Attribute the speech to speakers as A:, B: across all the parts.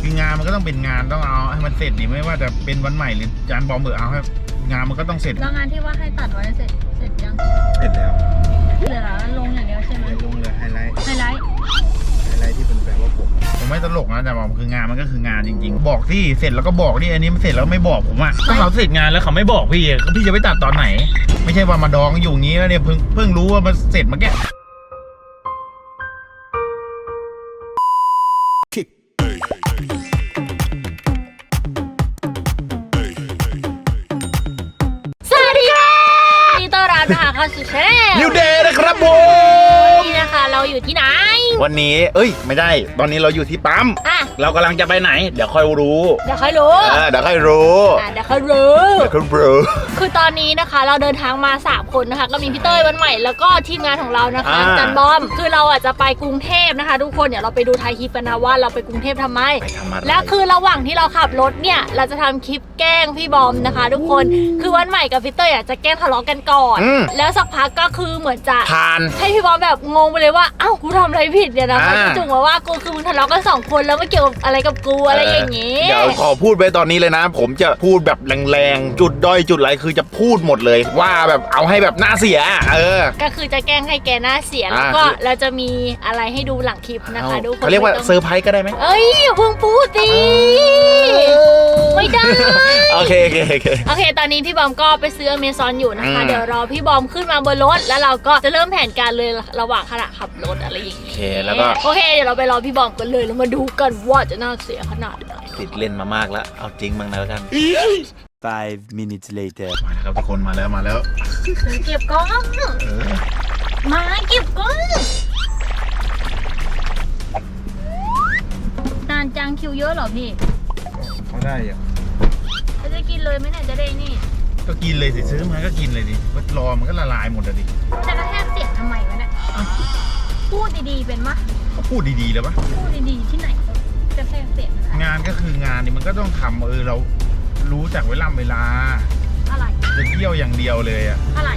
A: คืองานมันก็ต้องเป็นงานต้องเอาให้มันเสร็จดิไม่ว่าจะเป็นวันใหม่หรือจานบอมเอาให้งานมันก็ต้องเสร็จ
B: แล้วงานที่ว่าให้ตัดไว้เสร็จยัง
A: เสร็จแล้ว
B: เหลือลงอย่างเดียวใช่ไหม
A: ลงเลยไฮไลท์
C: ที่เป็นแบบว่า
A: ผมไม่ตลกนะแต่บอกคืองานมันก็คืองานจริงๆบอกที่เสร็จแล้วก็บอกที่อันนี้มันเสร็จแล้วไม่บอกผมอ่ะถ้าเขาเสร็จงานแล้วเขาไม่บอกพี่จะไปตัดตอนไหนไม่ใช่ว่ามาดองอยู่งี้แล้วเนี่ยเพิ่งรู้ว่ามันเสร็จเมื่อกี้
B: นะคะเข้าสู่ช่อง
A: New Day นะครับผม
B: นี่นะคะเราอยู่ที่ไหน
A: วันนี้ไม่ได้ตอนนี้เราอยู่ที่ปั๊มเรากำลังจะไปไหนเดี๋ยวค่อยรู้
B: เดี๋ยวค่อยรู้คือตอนนี้นะคะเราเดินทางมา3คนนะคะก็มีพี่เต้ยวันใหม่แล้วก็ทีมงานของเรานะคะจันบอมคือเราอาจจะไปกรุงเทพนะคะทุกคนเดี๋ยวเราไปดูท้ายคลิปกันนะว่าเราไปกรุงเทพทำไมแล้วคือระหว่างที่เราขับรถเนี่ยเราจะทำคลิปแกล้งพี่บอมนะคะทุกคนคือวันใหม่กับพี่เต้ยจะแกล้งทะเลาะกันก่อนแล้วสักพักก็คือเหมือนจะให้พี่บอมแบบงงไปเลยว่าเอ้ากูทำอะไรผิดเนี่ยนะมันจุงมาว่ากูคือมึงทะเลาะกัน2คนแล้วไม่เกี่ยวอะไรกับกูอะไรอย่างงี้
A: เดี๋ยวขอพูดไปตอนนี้เลยนะผมจะพูดแบบแรงๆจุดด้อยจุดไรคือจะพูดหมดเลยว่าแบบเอาให้แบบหน้าเสีย
B: ก็คือจะแกล้งให้แกหน้าเสียแล้วก็เราจะมีอะไรให้ดูหลังคลิปนะคะทุกคน
A: เขาเรียกว่าเซอร์ไพรส์ก็ได้ไหม
B: อย่าเพิ่งพูดสิไม่ได้
A: โอเค
B: ตอนนี้พี่บอมก็ไปซื้ออเมซอนอยู่นะคะเดี๋ยวรอพี่บอมขึ้นมาบนรถแล้วเราก็จะเริ่มแผนการเลยระหว่างขณะขับรถอะไรอย่างเงี้ย
A: แล้วก็
B: โอเคเดี๋ยวเราไปรอพี่บอมกันเลยแล้วมาดูกันว่าจะน่าเสียขนาดไหน
A: ติดเล่นมามากแล้วเอาจริงบ้างนะแล้วกัน
C: 5 minutes later
A: มาแล้วครับทุกคนมาแล้ว
B: เก็บกล้องมาเก็บกล้องนานจังคิวเยอะเหรอพี่
A: เขาได้อะ
B: จะกินเลยไหมเนี่ยจะได้นี่
A: ก็กินเลยสิซื้อมาก็กินเลยดิว่ารอมันก็ละลายหมดเลยดิ
B: จะกระแทกเสียงทำไมวะเนี่ยพูดดีๆเป็นมะ
A: ก็พูดดีๆแล้วปะ
B: พูดดีๆที่ไหนกระแทกเสียง
A: งานก็คืองานนี่มันก็ต้องทำเรารู้จักเวลา
B: อะไร
A: จะเที่ยวอย่างเดียวเลย
B: อะไร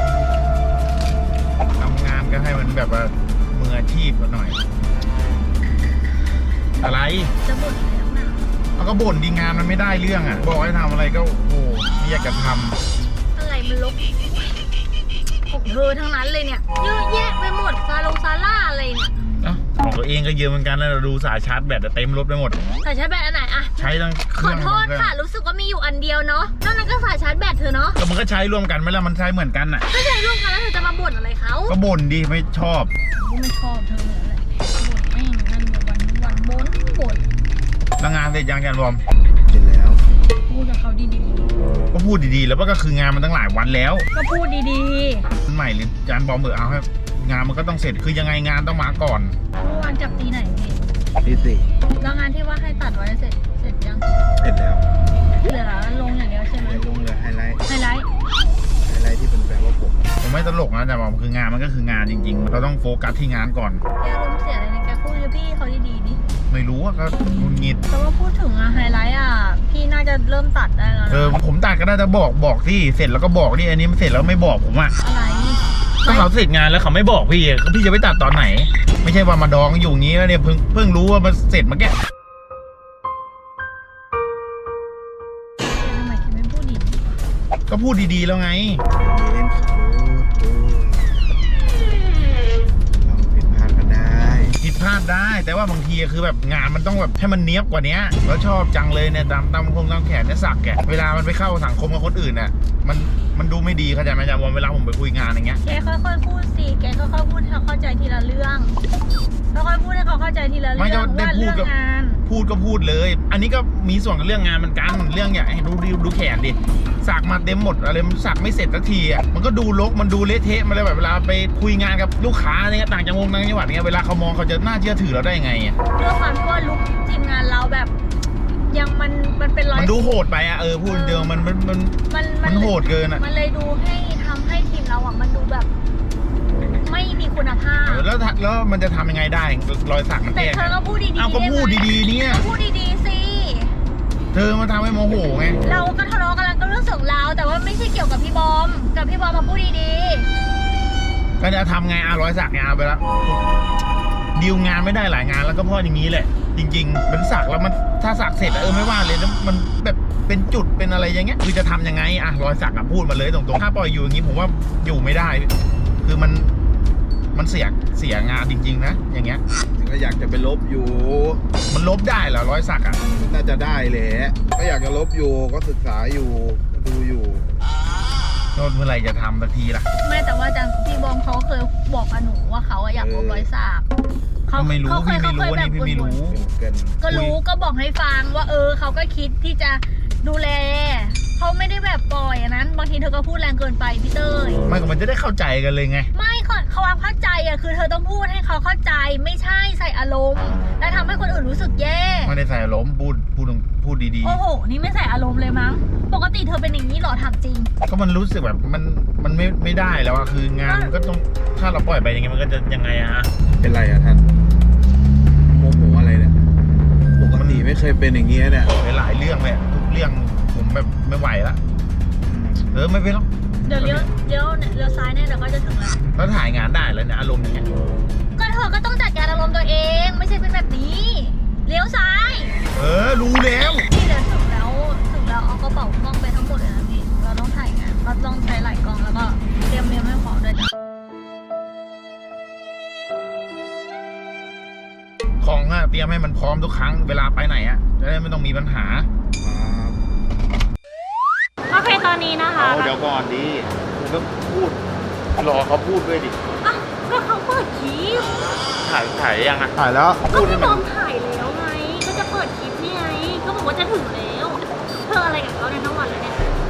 A: ทำงานก็ให้มันแบบว่ามืออาชีพหน่อยอะไร
B: จะบ่นอะไรนักหนา
A: เอาก็บ่นดีงานมันไม่ได้เรื่องบอกให้ทำอะไรก็โอ้ไม่อยากจะท
B: ำอะไรมันลบของเธอทั้งนั้นเลยเนี่ยเยอะแยะไปหมดซาล่าอะไรเนี่ย
A: ของตัวเองก็เยอะเหมือนกันแล้วเราดูสายชาร์จแบตเต็มรถไปหมด
B: สายชาร์จแบตอันไหน
A: ใช้ทั้งเครื่อง
B: ขอโทษค่ะรู้สึกว่ามีอยู่อันเดียวเนาะนอกนั้นก็สายชาร์จแบตเธอเนาะ
A: ก็มันก็ใช้ร่วมกันไหมล่ะมันใช้เหมือนกัน
B: ก็ใช้ร่วมกันแล้วเธอจะมาบ่นอะไรเขา
A: ก็บ่นดีไม่ชอบ
B: ไม่ชอบเธอเลยบ่นเองนั่นวันบ่น
A: แล้วงานเสร็จยังบอม
C: เสร็จแล้ว
B: พูดกับเขาดี
A: ๆก็พูดดีๆแล้วก็คืองานมันตั้งหลายวันแล้ว
B: ก็พูดดี
A: ๆใหม่หรือจานบอมเอาให้งานมันก็ต้องเสร็จคือยังไงงานต้องมาก่อน
B: เมื่อวานจับตีไหน
C: ตี 4
B: แล้วงานที่ว่าให้ตัดไว้เสร็จยัง
C: เสร็จแล้ว
B: เหลือลงอย่างเดียวใช่ไหม
C: ลงเลยไฮไลท์
A: ที่เป็นแบบว่าผมไม่ตลกนะแต่บอกคืองานมันก็คืองานจริงๆเราต้องโฟกัสที่งานก่อน
B: แกลมเสียอะไรเนี่ยแกพูดกับพี่เขาดีๆดิ
A: ไม่รู้ว่าก็งุนงิด
B: แต่ว่าพูดถึงไฮไลท์พี่น่าจะเริ่มตัดได้แล้ว
A: ผมตัดก็ได้แต่บอกที่เสร็จแล้วก็บอกที่อันนี้มันเสร็จแล้วไม่บอกผม
B: อะไร
A: ถ้าเขาเสร็จงานแล้วเขาไม่บอกพี่จะไปตัดตอนไหนไม่ใช่ว่ามาดองอยู่งี้แล้วเนี่ยเพิ่งรู้ว่ามันเสร็จเมื่อกี้
B: ทำไมคิดไม่พูดดี
A: ก็พูดดีๆแล้วไงผิดพลาดได้แต่ว่าบางทีคือแบบงานมันต้องแบบให้มันเนี้ยบกว่านี้แล้วชอบจังเลยเนี่ยตามแขนเนี่ยสักเวลามันไปเข้าสังคมกับคนอื่นมันดูไม่ดีเข้าใจไหมจ๊ะเวลาผมไปคุยงานอย่างเงี้ย
B: แกค่อยๆพูดสิแกค่อยๆพูดให้เขาเข้าใจทีละเรื่องค่อยๆพูดให้เขาเข้าใจทีละเรื่องว่าเรื่องงาน
A: พูดเลยอันนี้ก็มีส่วนกับเรื่องงานเหมือนกันเรื่องอย่างดูแขนดิสักมาเต็มหมดอะไรมันสักไม่เสร็จสักทีมันก็ดูรกมันดูเละเทะมาเลยแบบเวลาไปคุยงานกับลูกค้าเนี่ยต่างจังหวัดเนี่ยเวลาเขามองเขาจะน่าเชื่อถือเราได้ยังไง
B: เรื่องความที่ว่าลุคทีมงานเราแบบยังมันเป็น
A: มันดูโหดไปพูดเดียวมันโหดเกิน
B: มันเลยดูให้ทำให้ทีมเรามันดูแบบไม่มีคุณภาพ
A: แล้วมันจะทำยังไงได้รอยสักมัน
B: แต่เธอก็พูดดีๆ
A: ก็พูดดีๆเนี่ย
B: พูดดีๆสิ
A: เธอมาทำให้โมโหไง
B: เราก็ทะเลาะกันแล้วก็เรื่องของเราแต่ว่าไม่ใช่เกี่ยวกับพี่บอมมาพูดดี
A: ๆก็จะทำไงรอยสักไงไปแล้วดีลงานไม่ได้หลายงานแล้วก็เพราะอย่างนี้แหละจริงๆเป็นสักแล้วมันถ้าสักเสร็จอะไม่ว่าเลยแล้วมันแบบเป็นจุดเป็นอะไรอย่างเงี้ยคือจะทำยังไงอะรอยสักอะพูดมาเลยตรงๆถ้าปล่อยอยู่อย่างงี้ผมว่าอยู่ไม่ได้ คือมันเสียงานจริงๆนะอย่างเงี้ย
C: ก็อยากจะไปลบอยู่
A: มันลบได้เหรอรอยสักอะ
C: น่าจะได้แหละก็อยากจะลบอยู่ก็ศึกษาอยู่ก็ดูอยู่
A: โน่นเมื่อไหร่จะทำสักทีล่ะ
B: ไม่แต่ว่าพี่บอมเขาเคยบอกกับหนูว่าเขาอยากลบรอยสัก
A: ไม่รู้
B: เขาเค
A: พี่
B: ย
A: ไม่รู้
B: เขาเคย
A: นี่พี่ไม่รู้
C: เกิน
B: ก็รู้ก็บอกให้ฟังว่าเขาก็คิดที่จะดูแลเขาไม่ได้แบบปล่อยอันนั้นบางทีเธอก็พูดแรงเกินไปพี่เต้ย
A: ไม่ก็มันจะได้เข้าใจกันเลยไง
B: ไม่เขาความเข้าใจอะคือเธอต้องพูดให้เขาเข้าใจไม่ใช่ใส่อารมณ์และทำให้คนอื่นรู้สึกแย่
A: ไม่ได้ใส่อารมณ์พูดดี
B: โอ้โหนี่ไม่ใส่อารมณ์เลยมั้งปกติเธอเป็นอย่างนี้เหรอถามจริง
A: ๆก็มันรู้สึกแบบมันไม่ได้แล้วอะคืองานมันก็ต้องถ้าเราปล่อยไปอย่างเงี้ยมันก็จะยังไงอะ
C: เป็นไรอะท่านโมโหอะไรเนี่ยปกติไม่เคยเป็นอย่างเงี้ยเนี่ย
A: หลายเรื่องเลยอะทุกเรื่องผมแบบไม่ไหวละไม่เป็นหรอก
B: เดี๋ยวเลี้ยวซ้ายเนี่ยเดี๋ยวก็จะถึงแล้ว
A: แล้วถ่ายงานได้แล้วเนี่ยอารมณ์อย่างเงี้ย
B: ก็เธอก็ต้องจัดการอารมณ์ตัวเองไม่ใช่เป็นแบบนี้เลี้ยวซ้าย
A: รู้แล้ว
B: นี่เดี๋ยวถึงแล้วเอากระเป๋ากล้องไปทั้งหมดเลยนะพี่เราต้องถ่ายงานเราต้องใช้หลายกล้องแล้วก็เตรียมเมมให้พร้อมด้วยจ้ะ
A: ของอะเตรียมให้มันพร้อมทุกครั้งเวลาไปไหนอะจะได้ไม่ต้องมีปัญหา
B: โอเคตอนนี้นะคะ
A: เดี๋ยวก่อนดิคุณก็พูดรอเขาพูดด้วยดิ
B: อ่ะก็เขาเปิดคลิป
A: ถ่ายยังอะ
C: ถ่ายแล้ว
B: ก็พี่บอมถ่ายแล้วไงก็จะเปิดคลิปนี่ไงก็บอกว่าจะถึงแล้วเธออะไรกับเขาในยทั้งวันเลยเนี่ย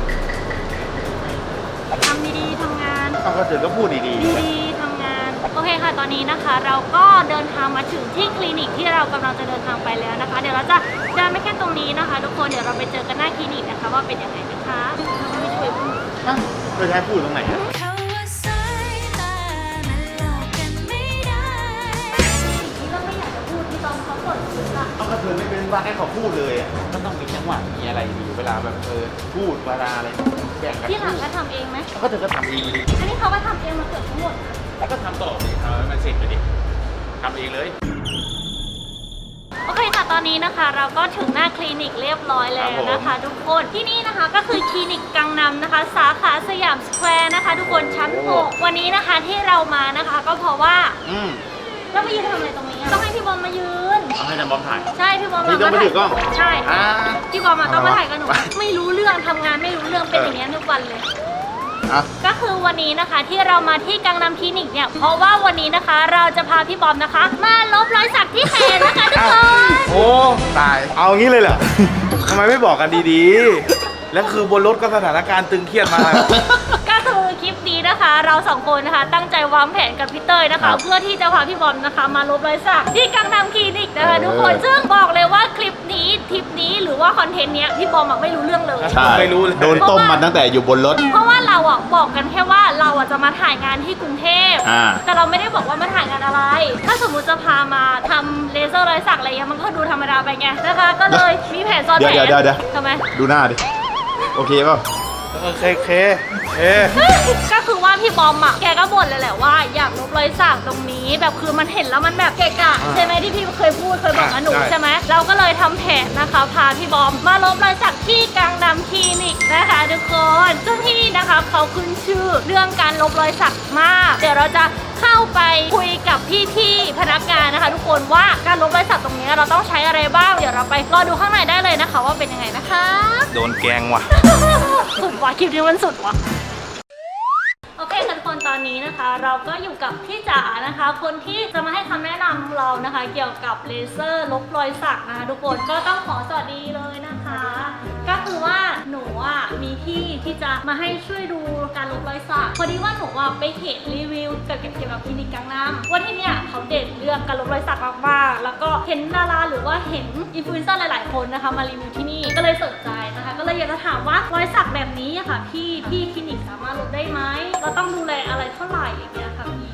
B: ทำดีๆทำงาน
A: ก็ถึงก็พูดดี
B: ดีๆทำงาน โอเคค่ะ ตอนนี้นะคะ เราก็เดินทางมาถึงที่คลินิกที่เรากำลังจะเดินทางไปแล้วนะคะ เดี๋ยวเราจะเดินไม่แค่ตรงนี้นะคะ ทุกคน เดี๋ยวเราไปเจอกันหน้าคลินิกนะคะว่าเป็นยังไงนะคะเราไม่ช่วยพูด
A: ๆจะให้พูดตรงไหนอะ
B: เขาว่าสายตามันหลอกกันไม่ได้สิ่งที่เราไม่อยากจะพูดที่ตอนเขาเปิดคลิปอะ
A: เอาก็เธอไม่เป็นบ้าให้เขาพูดเลยอะก็ต้องมีจังหวะมีอะไรดีเวลาแบบพูดเวลาอะไรแบ่งกัน
B: ที่หลังก็ทำเองไหม
A: ก็เธอก็ทำเองดิ
B: อันนี้เขาก็ทำเองมาเกือบทั้งหมดนะ
A: แล้วก็ทำต่อดิทำให้มันเสร็จไปดิทำเองเลย
B: โอเคค่ะ ตอนนี้นะคะ เราก็ถึงหน้าคลินิกเรียบร้อยแล้วนะคะ ทุกคนที่นี่นะคะก็คือคลินิกกังนำนะคะ สาขาสยามสแควร์นะคะ ทุกคนชั้น 6 วันนี้นะคะที่เรามานะคะ ก็เพราะว่าเรามายืนทำอะไรตรงนี้อะต้องให้พี่บอมมายืน
A: เอาให้นำบอมถ่าย
B: ใช่พี่บอม
A: นี่ต้องมาถือกล้อง
B: ใช่
A: อ่า
B: พี่บอมมาต้องมาถ่ายกับหนูไม่รู้เรื่องทำงานไม่รู้เรื่องเป็นอย่างนี้ยทุกวันเลย ก็คือวันนี้นะคะที่เรามาที่กังนำคลินิกเนี่ยเพราะว่าวันนี้นะคะเราจะพาพี่บอมนะคะ มาลบรอยสักที่แขนนะคะทุกคน
C: โอ้ตายเอางี้เลยเหรอ ทำไมไม่บอกกันดีๆ แล้วคือบนรถก็สถานการณ์ตึงเครียดมา
B: ก็คือคลิปนี้นะคะ เราสองคนนะคะ ตั้งใจวางแผนกับพี่เต้ยนะคะ เพื่อที่จะพาพี่บอมนะคะ มาลบรอยสักที่กังนำคลินิกนะคะทุกคนซึ่งบอกเลยว่าคลิปนี้ทริปนี้หรือว่าคอนเทนต์เนี้ยพี่บอมอะไม่รู้เรื่องเลย
C: ใช่ไม่รู้เลย
D: โดนต้มมาตั้งแต่อยู่บนรถ
B: เพราะว่าเราอ่ะบอกกันแค่ว่าเราอ่ะจะมาถ่ายงานที่กรุงเทพ
D: อ่า
B: แต่เราไม่ได้บอกว่ามาถ่ายงานอะไร ถ้าสมมุติจะพามาทำเลเซอร์รอยสักอะไรเงี้ยมันก็ดูธรรมดาไปไงนะคะ ก็เลยมีแผนซ้อนแผน
D: เดี๋ยว
B: ทำไม
D: ดูหน้าดิ โอเคเปล่า
C: เค
B: ก็คือว่าพี่บอมอ่ะแกก็บ่นเลยแหละว่าอยากลบรอยสักตรงนี้แบบคือมันเห็นแล้วมันแบบเกะกะใช่ไหมที่พี่เคยพูดเคยบอกกับหนูใช่ไหมเราก็เลยทำแผนนะคะพาพี่บอมมาลบรอยสักที่กังนำคลินิกนะคะทุกคนซึ่งที่นี่นะคะเขาขึ้นชื่อเรื่องการลบรอยสักมากเดี๋ยวเราจะเข้าไปคุยกับพี่ๆพนักงานนะคะ ทุกคนว่าการลบรอยสักตรงนี้เราต้องใช้อะไรบ้างเดี๋ยวเราไปรอดูข้างในได้เลยนะคะ ว่าเป็นยังไงนะคะ
C: โดนแกงว่ะ
B: สุดว่ะคลิปนี้มันสุดว่ะโอเคค่ะทุกคนตอนนี้นะคะ เราก็อยู่กับพี่จ๋านะคะ คนที่จะมาให้คำแนะนำเรานะคะ เกี่ยวกับเลเซอร์ลบรอยสักนะคะทุกคนก็ต้องขอสวัสดีเลยนะคะ ก็คือว่าหนูอ่ะมีที่ที่จะมาให้ช่วยดูการลบรอยสักพอดีว่าหนูอ่ะไปเห็นรีวิวเกี่ยวกับคลินิกกังนำว่าที่เนี่ยเขาเด่นเรื่องการลบรอยสักมากๆแล้วก็เห็นดาราหรือว่าเห็นอินฟลูเอนเซอร์หลายๆคนนะคะมารีวิวที่นี่ก็เลยสนใจนะคะ ก็เลยอยากจะถามว่ารอยสักแบบนี้อะค่ะพี่คลินิกสามารถลบได้ไหมเราต้องดูแลอะไรเท่าไหร่อย่างเงี้ยค่ะพี่ต้องใช้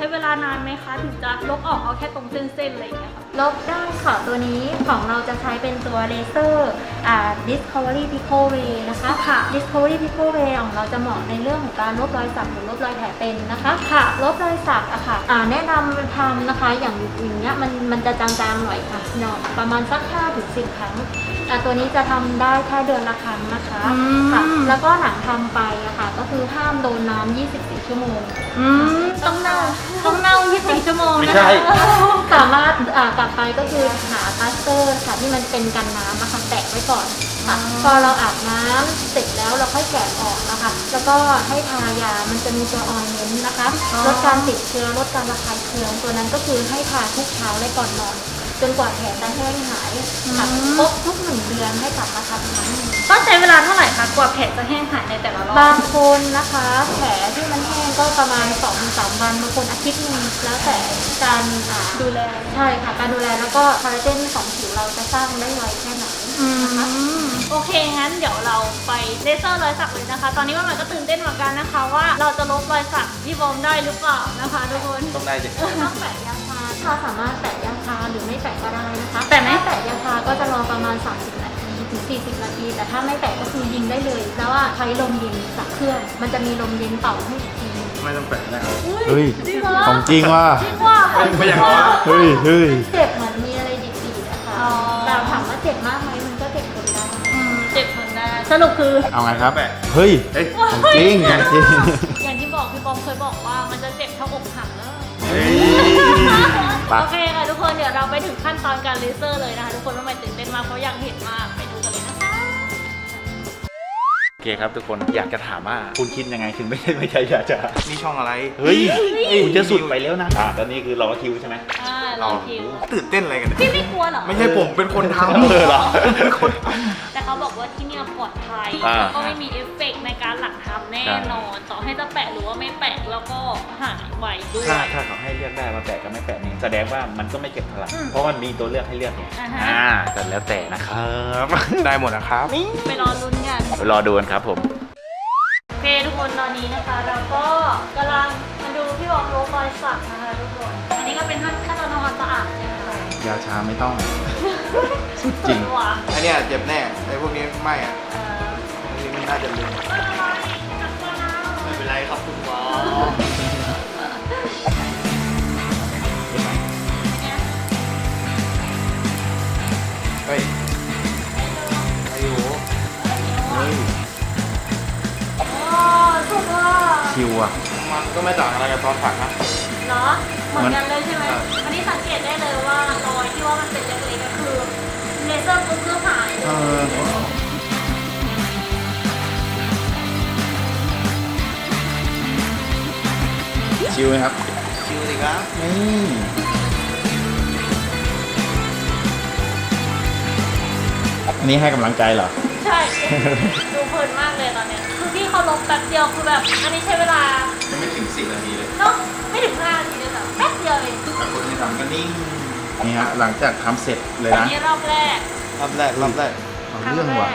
B: ช้เวลานานไหมคะถึงจะลบออกเอาแค่ตรงเส้นๆอะไรอย่างเงี้ยค่ะ
E: ลบได้ค่ะตัวนี้ของเราจะใช้เป็นตัวเลเซอร์Discovery Pico Ray นะคะ
B: ค่ะ
E: Discovery Pico Ray ของเราจะเหมาะในเรื่องของการลบรอยสักหรือลบรอยแผลเป็นนะคะ
B: ค่ะ
E: ลบรอยสักอะค่ะแนะนำทำนะคะอย่างเงี้ยมันจะจางๆหน่อยค่ะเนาะประมาณสัก5-10 ครั้งตัวนี้จะทำได้แค่เดือนละครั้งนะคะ
B: อืม
E: ค่ะแล้วก็หลังทำไปอะค่ะก็คือห้ามโดนน้ำ24 ชั่วโมง
B: ต้องเน่า24 ชั่วโมง
C: ไม่
B: นะ
C: ใช่
B: คะ
E: สามารถกลับไปก็คือหาพลาสเตอร์ค่ะที่มันเป็นกันน้ำนะคะแตะไว้ก่อนค่ะพอเราอาบน้ำเสร็จแล้วเราค่อยแกะออกนะคะแล้วก็ให้ทายามันจะมีตัวออยเมนต์นะคะลดการติดเชื้อลดการระคายเคืองตัวนั้นก็คือให้ทาทุกเช้าและก่อนนอนจนกว่าแผลจะแห้งหายค่ะครบทุก1 เดือนให้กลับมาทำครั้งหนึ่ง
B: ต้องใช้เวลาเท่าไหร่คะกว่าแผลจะแห้งหายในแต่ละรอบบ
E: างคนนะคะแผลที่มันแห้งก็ประมาณ 2-3 วันบางคนอาทิตย์หนึงแล้วแต่การ
B: ดูแล
E: ใช่ค่ะการดูแลแล้วก็คอลลาเจนของผิวเราจะสร้างได้ไวแค่ไหนนะคะ
B: โอเคงั้นเดี๋ยวเราไปเลเซอร์รอยสักเลยนะคะ ตอนนี้มันก็ตื่นเต้นเหมือนกันนะคะ ว่าเราจะลบรอยสักที่บอมได้หรือเปล่านะคะทุกคน
C: ต้องได้ดิ
E: ต้องแปะยาชาเราสามารถแปะยาชาหรือไม่แปะก็ได้นะคะ
B: แปะไหม
E: ถ้าแปะยาชาก็จะรอประมาณ30 นาทีถึง40 นาที แต่ถ้าไม่แปะก็คือยิงได้เลยแล้วว่าใช้ลมเย็นจากเครื่อง มันจะมีลมเย็นเป่าให้อีกทีนึง
C: ไม่ต้องแปะนะครับ
D: เฮ้ย
B: จริงเหรอ
D: ของจริงว่ะ
B: จริงว่ะ
C: ไม่อยากเอาอะ
D: เฮ้ย เฮ้ย
E: เจ็บเหมือนมีอะไรดีดๆนะคะ
B: อ๋อ
E: แต่ถามว่าเจ็บมากไหมมันก็เจ็บคนได้
B: เจ็บคนได้สรุปคือ
D: เอาไงครับ
C: แปะ
D: เฮ้ย
C: เฮ้ย
D: ของจริงของจริง
B: อย่างที่บอกพี่บอมเคยบอกว่ามันจะเจ็บเท่าอกหักแล้ว
C: เฮ้ย
D: ไป
B: โอเคค่ะทุกคนเดี๋ยวเราไปถึงขั้นตอนการเลเซอร์เลยนะคะทุกคนว่ามันตื่นเต้นมากเพราะอยากเห็นมากไปดูกันเลยนะคะ
D: โอเคครับทุกคนอยากจะถามว่าคุณคิดยังไงถึงไม่ใช่อยากจะ
C: นี่ช่องอะไร
D: เฮ้ยคุณจะสุดไปแล้วนะตอนนี้คือรอคิวใช่ไหม
B: รอคิว
C: ตื่นเต้นอะไรกันเนี่ย
B: พี่ไม่กลัวเหรอ
C: ไม่ใช่ผมเป็นคนทำ
D: เหรอ
C: เป็นคนท
B: แต่เขาบอกว่าที่เนี่ยปลอดภัย
D: อ่า
B: แล้วก็ไม่มีเอฟเฟกต์ในการหลังทำแน่นอน ต่อให้จะแปะหรือว่าไม่แปะแล้วก็หายไวด้วย
D: ถ้าเขาให้เลือกได้มาแปะกับไม่แปะนี่แสดงว่ามันก็ไม่เก็บพลัง
B: อืม
D: เพราะมันมีตัวเลือกให้เลือกไง
B: อ่าฮะ
D: แต่แล้วแต่นะครับ
C: ำได้หมดนะครับ
B: ไปรอลุ้นกัน
D: ไปรอดูกันครับผม
B: โอเคทุกคนตอนนี้นะคะ เราก็กำลังมาดูพี่บอมลบรอยสักนะคะทุกคน อันนี้ก็เป็นขั้นตอนทำความสะอาดใช่ไหมคะ
D: ยาชาไม่ต้อง สุดจริง
B: ว่ะ
C: อันเนี้ยเจ็บแน่ไอ้พวกนี้ไม่อะ
B: เออ
C: อันนี้มันน่าจะลืม
B: ไม่เป็นไรจับตัวนะ
C: ไม่เป็นไรครับคุณหมอเฮ้ยอายุ
D: เฮ้ย
B: โอ้สุดว่ะ
D: คิวอ่ะ
C: มันก็ไม่ต่างอะไรกับตอนผักนะ
B: เหรอเหมือนกันเลยใช่ไหม
C: ใช่
B: อันนี้สังเกตได้เลยว่ารอยที่ว่ามันเป็นเล็กๆก็คือเลเซอร์ปุ๊บก็หายเลย
D: ชิวไหมครับ
C: ชิวสิครับ
D: นี่อันนี้ให้กำลังใจเหรอ
B: ใช่ ดูเพลินมากเลยตอนเนี้ยคือที่เขาลบแป๊บเดียวคือแบบ อันนี้ใช้เวลา
C: ยังไม่ถึง10 นาทีเลย
B: เนาะไม่ถึง5 นาทีเลยนะแป๊บเดียวเอง
C: แต่คนที่ทำก็นิ่ง
D: นี่ฮะหลังจากทำเสร็จเลย
B: อัน
D: นะ
B: นี้รอบแรก
C: รอบแรก
D: เอาเรื่องว่ะ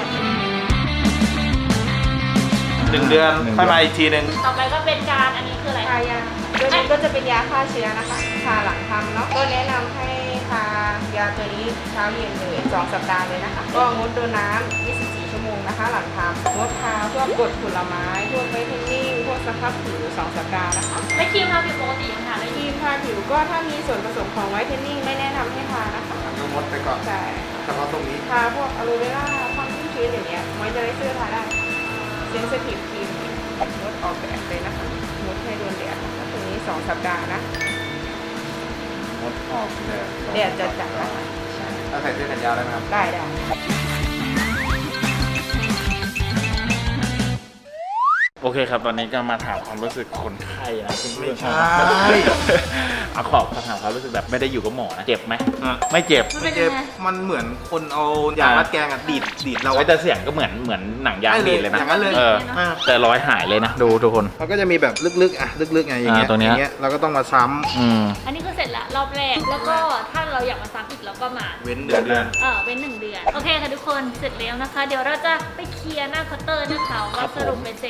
C: 1 เดือนค่อยมาอีกทีหนึ่ง
B: ต่อไปก็เป็นการอันนี้คืออะไร
F: ทายาตัวนี้ก็จะเป็นยาฆ่าเชื้อนะคะทาหลังทำเนาะก็แนะนำให้ทายาตัวนี้เช้าเย็นเลย2 สัปดาห์เลยนะคะ ก็งดโดนน้ำ24 ชั่วโมงนะคะ หลังทำงดทาพวกกรดผลไม้พวกไวท์เทนนิ่งพวกสครับผิว2 สัปดาห์นะคะ
B: ไม่ครีมทาผิวปกติยังทาได้
F: ค
B: ดี
F: รีมทาผิวก็ถ้ามีส่วนผสมของไวท์เทนนิ่งไม่แนะนำให้ทานะคะ
C: ก็งดไปก่อน
F: ใช่
C: เฉพาะตรงนี้
F: ทาพวกอะโลเวราความชุ่มชื้นอย่างเงี้ยมอยเจอไรเซอร์ทาได้เซนซิทีฟครีมงดออกแบบเลยนะคะงดให้โดนแดดนะคะตัวนี้2 สัปดาห์นะ
C: งดออกแดด
F: แดดจัดๆนะคะใช่
C: ถ้าใส่เสื้อแขนยาวได้ไหมครับ
F: ได้
D: โอเคครับ ตอนนี้ก็มาถามความรู้สึกคนไข้นะซึ่ง
C: ไม่ใช่
D: เอาขอถามความรู้สึกแบบไม่ได้อยู่กับหมอนะ เจ็บไหม
C: อ่ะ
D: ไม่เจ็บ
B: มันเป็น
C: เจ็
B: ยั
C: บ
B: งไง
C: มันเหมือนคนเอายางรัดแกงอะดีดเรา
D: ไว้แต่เสียงก็เหมือนหนังยางดีดเลยนะ
C: อย่างนั้นเลย
D: เออ
C: อ่ะ
D: แต่รอยหายเลยนะ ดูทุกคน
C: มันก็จะมีแบบลึกๆอ่ะลึกๆไงอย่างเงี้ย
D: ตรงเนี้ย
C: อย่างเงี้ยเราก็ต้องมาซ้ำ
D: อืม
B: อันนี้คือเสร็จละรอบแรก แล้วก็ถ้าเราอยากมาซ้ำอีกเราก็มา
C: เว้นเดือน
B: เป็น1 เดือน โอเคค่ะทุกคนเสร็จแล้วนะคะ เดี๋ยวเราจะไปเคลียร์หน้าเคาน์เตอร์นะคะว่าสรุปเป็นเสร็จเนี่ยตรง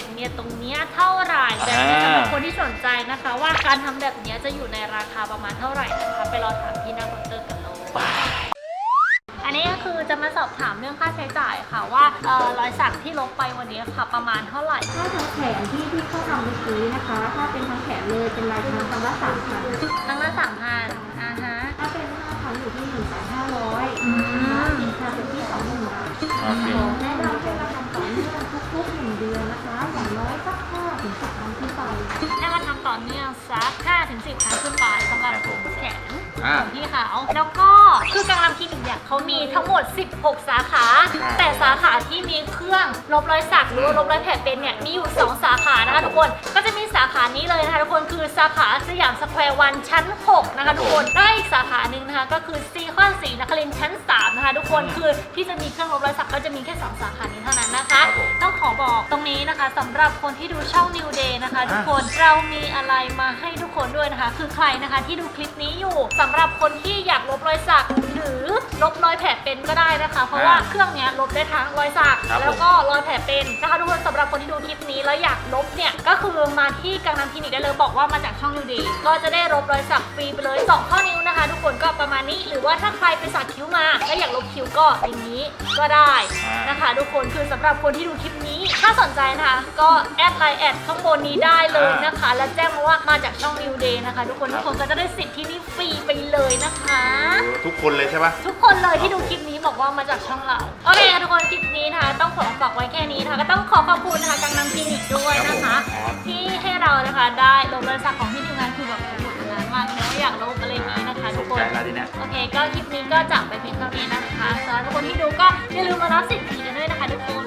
B: เนี้ยเท่าไหร่แบบนี้สำหรับคนที่สนใจนะคะว่าการทำแบบเนี้ยจะอยู่ในราคาประมาณเท่าไหร่นะคะไปรอถามที่หน้าเคาน์เตอร์กันเลยอันนี้ก็คือจะมาสอบถามเรื่องค่าใช้จ่ายค่ะว่ารอยสักที่ลบไปวันนี้ค่ะประมาณเท่าไหร่
E: ถ้าทั้งแขนที่เขาทำเมื่อกี้นะคะ ถ้าเป็นทั้งแขนเลยเป็นลายทางคำว่า3,000
B: ครั้งละ3,000ฮะ
E: ถ้าเป็น5 ครั้งอยู่ที่ 1,500 สินค้าเป็นที่ 20,000 บาท
D: โอเค
E: แนะนำให้มาทำต่อเนื่องทุกๆ1 เดือนนะคะ อย่างน้อยสัก5 ถึง 10 ครั้งขึ้นไป
B: ให้มาทำต่อเนื่องสัก 5-10 ครั้งขึ้นไปสำหรับแขนของพี่เขาแล้วก็คือกำลังคลินิกเนี่ยเขามีทั้งหมด 16 สาขา แต่สาขาที่มีเครื่องลบรอยสักหรือว่าลบรอยแผลเป็นเนี่ยมีอยู่ 2 สาขานะคะทุกคนก็จะมีสาขานี้เลยนะคะทุกคนคือสาขาสยามสแควร์วันชั้น 6 นะคะทุกคนได้อีกสาขาหนึ่งนะคะก็คือซีคอนศรีนครินทร์ชั้น 3 นะคะทุกคนคือที่จะมีเครื่องลบรอยสักก็จะมีแค่ 2 สาขานี้เท่านั้นนะคะต้องขอบอกตรงนี้นะคะสำหรับคนที่ดูช่อง New Day นะคะทุกคนเรามีอะไรมาให้ทุกคนด้วยนะคะคือใครนะคะที่ดูคลิปนี้อยู่สำหรับคนที่อยากลบรอยสักหรือลบรอยแผลเป็นก็ได้นะคะเพราะว่าเครื่องนี้ลบได้ทั้งรอยสักแล้วก็รอยแผลเป็นนะคะทุกคนสำหรับคนที่ดูคลิปนี้แล้วอยากลบเนี่ยก็คือมาที่กังนำคลินิกได้เลยบอกว่ามาจากช่อง New Day ก็จะได้ลบรอยสักฟรีไปเลย2 ข้อนิ้วนะคะทุกคนก็ประมาณนี้หรือว่าถ้าใครไปสักคิ้วมาแล้วอยากลบคิ้วก็อย่างนี้ก็ได้นะคะทุกคนคือสำหรับคนที่ดูคลิปนี้ถ้าสนใจนะคะก็แอดไลน์แอดข้างบนนี้ได้เลยนะคะแล้วแจ้งมาว่ามาจากช่อง New Day นะคะทุกคนก็จะได้สิทธิ์ที่นี่ฟรีไปเลยนะคะ
C: ทุกคนเลยใช่ปะ
B: ทุกคนเลยที่ดูคลิปนี้บอกว่ามาจากช่องเราโอเคค่ะทุกคนคลิปนี้นะคะต้องขอฝากไว้แค่นี้นะคะก็ต้องขอขอบคุณนะคะกังนำคลินิกด้วยนะคะที่ให้เรานะคะได้ลบรอยสักของพี่ทีมงานคือแบบโหดงานมากเลยว่าอยากลบอะไรอย่างนี้นะคะทุกคน
D: ใจแล้วทีเนี้ย
B: โอเคก็คลิปนี้ก็จากไปเพียงเท่านี้นะคะสำหรับทุกคนที่ดูก็อย่าลืมมารับสิทธิ์ฟรีกันด้วยนะคะทุกคน